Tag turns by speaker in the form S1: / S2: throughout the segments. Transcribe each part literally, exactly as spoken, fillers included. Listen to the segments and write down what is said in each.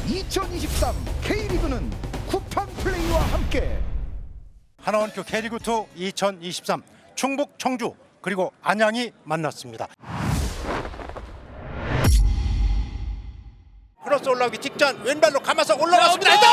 S1: 이천이십삼 K리그는 쿠팡 플레이와 함께
S2: 하나원큐 K리그 이 이천이십삼 충북 청주 그리고 안양이 만났습니다. 크로스 올라오기 직전 왼발로 감아서 올라왔습니다. 헤더!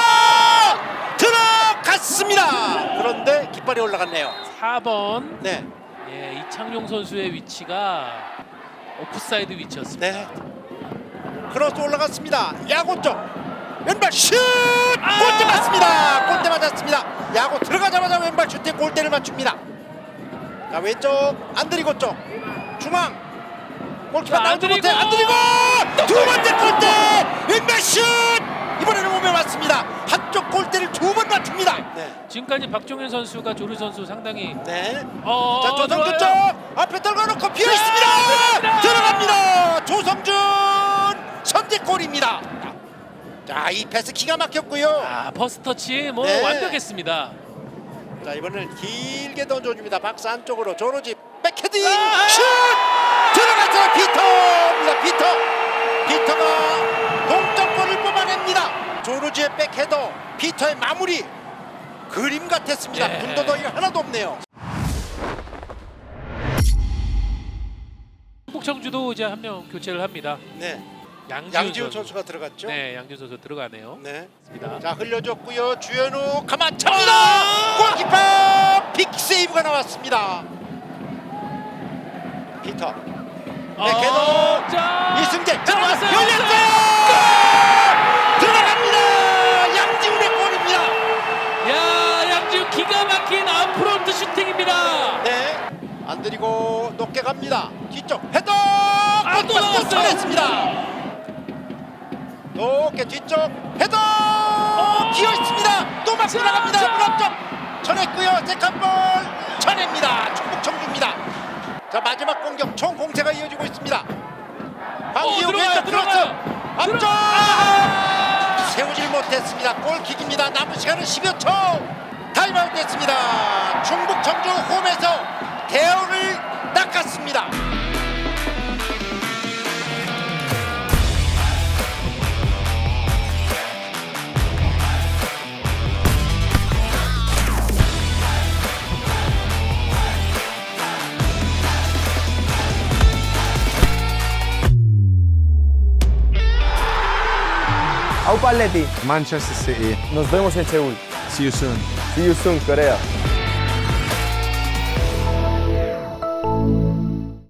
S2: 들어갔습니다. 그런데 깃발이 올라갔네요.
S3: 사 번
S2: 네,
S3: 예, 이창용 선수의 위치가 오프사이드 위치였습니다.
S2: 네. 크로스 올라갔습니다. 야구 쪽 왼발 슛!
S3: 아!
S2: 골대 맞습니다. 골대 맞았습니다. 야구 들어가자마자 왼발 슛에 골대를 맞춥니다. 자, 왼쪽 안드리고 쪽 중앙 골키퍼
S3: 자,
S2: 나오지 못해
S3: 안드리고!
S2: 안드리고 두 번째 골대 왼발 슛! 이번에는 몸에 맞습니다. 한쪽 골대를 두 번 맞춥니다. 네,
S3: 지금까지 박종현 선수가 조르 선수 상당히
S2: 네.
S3: 어,
S2: 자, 조성준 쪽
S3: 들어와요.
S2: 앞에 떨궈놓고 비어 있습니다.
S3: 들어갑니다.
S2: 들어갑니다. 조성준 선제골입니다. 자, 이 패스 기가 막혔고요.
S3: 아, 퍼스트 터치 뭐
S2: 네.
S3: 완벽했습니다.
S2: 자, 이번엔 길게 던져줍니다. 박스 안쪽으로 조르지 백헤딩
S3: 아!
S2: 슛! 들어갔어요. 피터입니다. 피터. 피터가 동점골을 뽑아냅니다. 조르지의 백헤더, 피터의 마무리 그림 같았습니다.
S3: 네.
S2: 군더더기가 하나도 없네요.
S3: 충북 청주도 이제 한 명 교체를 합니다.
S2: 네,
S3: 양지훈,
S2: 양지훈
S3: 선수.
S2: 선수가 들어갔죠.
S3: 네, 양지훈 선수 들어가네요.
S2: 네.
S3: 맞습니다.
S2: 자, 흘려줬고요. 주현우 가만찹니다. 골키퍼 빅 세이브가 나왔습니다. 피터. 네, 걔도
S3: 어, 자,
S2: 이승재
S3: 들어갔어요.
S2: 열렸어요. 들어갑니다. 양지훈의 골입니다.
S3: 야, 양지훈 기가 막힌 아웃프론트 슈팅입니다.
S2: 네, 안 들이고 높게 갑니다. 뒤쪽 헤더.
S3: 아, 또 나왔어요.
S2: 쳐냈습니다. 높게 뒤쪽 헤더. 기어 있습니다. 또 맞고
S3: 자,
S2: 나갑니다.
S3: 자.
S2: 무릎쪽 쳐냈고요. 세컨볼 쳐냅니다. 충북 청주입니다. 자, 마지막 공격 총 공세가 이어지고 있습니다.
S3: 어,
S2: 황기우
S3: 들어가요,
S2: 왼쪽 크로스
S3: 들어가요.
S2: 앞쪽
S3: 들어- 아!
S2: 세우질 못했습니다. 골킥입니다. 남은 시간은 십여 초. 타임아웃 됐습니다. 충북 청주 홈에서 대우를 낚았습니다.
S4: Au Paletti,
S5: Manchester City.
S4: nos vemos en Seúl.
S5: See you soon.
S4: See you soon, Corea.